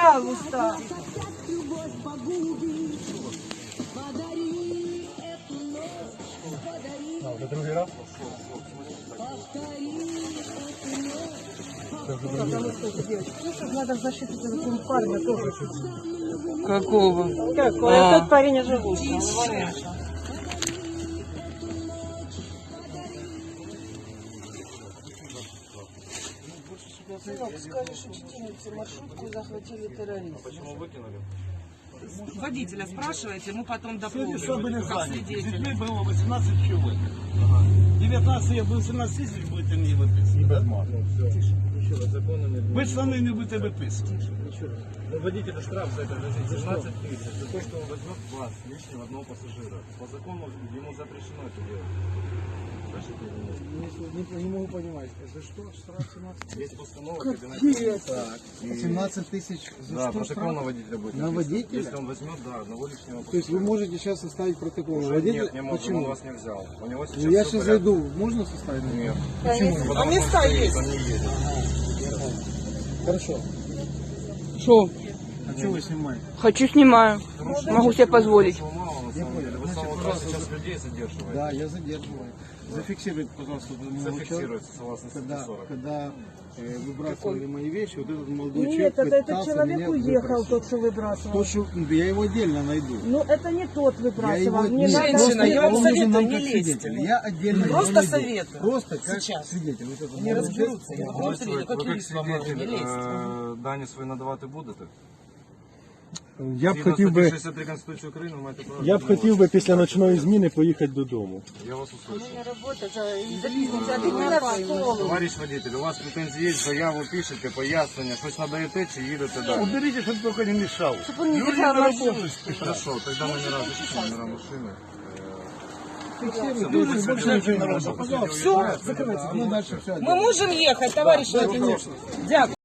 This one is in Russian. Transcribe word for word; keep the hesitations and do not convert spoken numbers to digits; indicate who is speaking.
Speaker 1: Пожалуйста.
Speaker 2: А, вже другий раз?
Speaker 1: Надо в защиту этого парня тоже.
Speaker 3: Какого?
Speaker 1: Какой?
Speaker 3: А.
Speaker 1: Этот парень живут. Сынок, скажешь учительнице, маршрутку захватили террористы.
Speaker 4: Почему выкинули?
Speaker 3: Водителя спрашиваете, мы потом дополним.
Speaker 5: Все были
Speaker 3: как
Speaker 5: заняты. С
Speaker 3: свидетели.
Speaker 5: детьми было восемнадцать человек. девятнадцать я был семнадцать тысяч, будете мне выписывать. Да? Вы штаны не будете выписывать.
Speaker 4: Ну, водителю штраф за это грозит семнадцать тысяч, за то, что он возьмет вас, лишнего одного пассажира. По закону ему запрещено это делать.
Speaker 2: Не, не могу понимать, за что штраф семнадцать тысяч?
Speaker 4: Есть постанова кабинета.
Speaker 2: Так, семнадцать тысяч за
Speaker 4: Да,
Speaker 2: что
Speaker 4: протокол
Speaker 2: штраф?
Speaker 4: на водителя будет.
Speaker 2: На
Speaker 4: написан.
Speaker 2: водителя?
Speaker 4: Если он возьмет, да, одного лишнего
Speaker 2: То есть вы
Speaker 4: пассажира.
Speaker 2: можете сейчас составить протокол на
Speaker 4: Уже
Speaker 2: водителя?
Speaker 4: Нет, не можем,
Speaker 2: Почему?
Speaker 4: он вас не взял. У него сейчас
Speaker 2: Ну, я
Speaker 4: всё
Speaker 2: сейчас
Speaker 4: в порядке.
Speaker 2: зайду, можно составить?
Speaker 4: Нет.
Speaker 2: Почему?
Speaker 4: Потому
Speaker 3: А
Speaker 4: что
Speaker 3: места
Speaker 4: он стоит,
Speaker 3: есть?
Speaker 4: он не едет.
Speaker 2: Хорошо.
Speaker 3: Что?
Speaker 2: А что вы снимаете?
Speaker 3: Хочу, снимаю. Могу себе позволить.
Speaker 4: Этого мало, на самом деле. Вы с самого утра сейчас людей задерживаете.
Speaker 2: Да, я задерживаю. Зафиксируйте, пожалуйста, вот этому человеку,
Speaker 4: Зафиксируется, согласно статье
Speaker 2: когда,
Speaker 4: сорок.
Speaker 2: когда э, выбрасывали мои вещи, вот этот молодой человек
Speaker 1: Нет, это этот
Speaker 2: пытался
Speaker 1: человек
Speaker 2: меня
Speaker 1: уехал,
Speaker 2: выбросить.
Speaker 1: тот, что выбрасывал.
Speaker 2: То, что я его отдельно найду.
Speaker 1: Ну, это не тот
Speaker 2: Я его
Speaker 1: выбрасывал. Не
Speaker 2: нет,
Speaker 1: надо-
Speaker 3: Женщина, я вам
Speaker 2: он нужен
Speaker 3: советую,
Speaker 2: нам
Speaker 3: не
Speaker 2: как
Speaker 3: лезьте.
Speaker 2: свидетель. Я отдельно его
Speaker 3: Просто
Speaker 2: найду.
Speaker 3: советую.
Speaker 2: Просто как
Speaker 3: Сейчас.
Speaker 2: свидетель. Вот это
Speaker 3: Не
Speaker 2: молодой
Speaker 3: разберутся. Я
Speaker 2: человек.
Speaker 3: вам
Speaker 4: Ви
Speaker 3: советую, как
Speaker 4: як
Speaker 3: юрист вам говорю, не
Speaker 4: свидетель,
Speaker 3: лезьте.
Speaker 4: е, дані свої надавати будете?
Speaker 6: Я б
Speaker 4: Згідно
Speaker 6: хотів
Speaker 4: статті
Speaker 6: би,
Speaker 4: шістдесят три Конституції України ви маєте право
Speaker 6: я б
Speaker 4: відмовитися.
Speaker 6: хотів би після ночної зміни поїхати додому.
Speaker 4: Я вас услышал. Товарищ водитель, у вас претензії є, заяву пишете, пояснення, щось надаєте чи їдете далі?
Speaker 5: Уберите, чтобы только не мешал.
Speaker 4: Люди на работу спешат. Хорошо, тогда мы не разрешим номера машины.
Speaker 2: Все, закрывайте. Мы дальше все.
Speaker 3: Мы можем ехать, товарищ водитель. Дякую.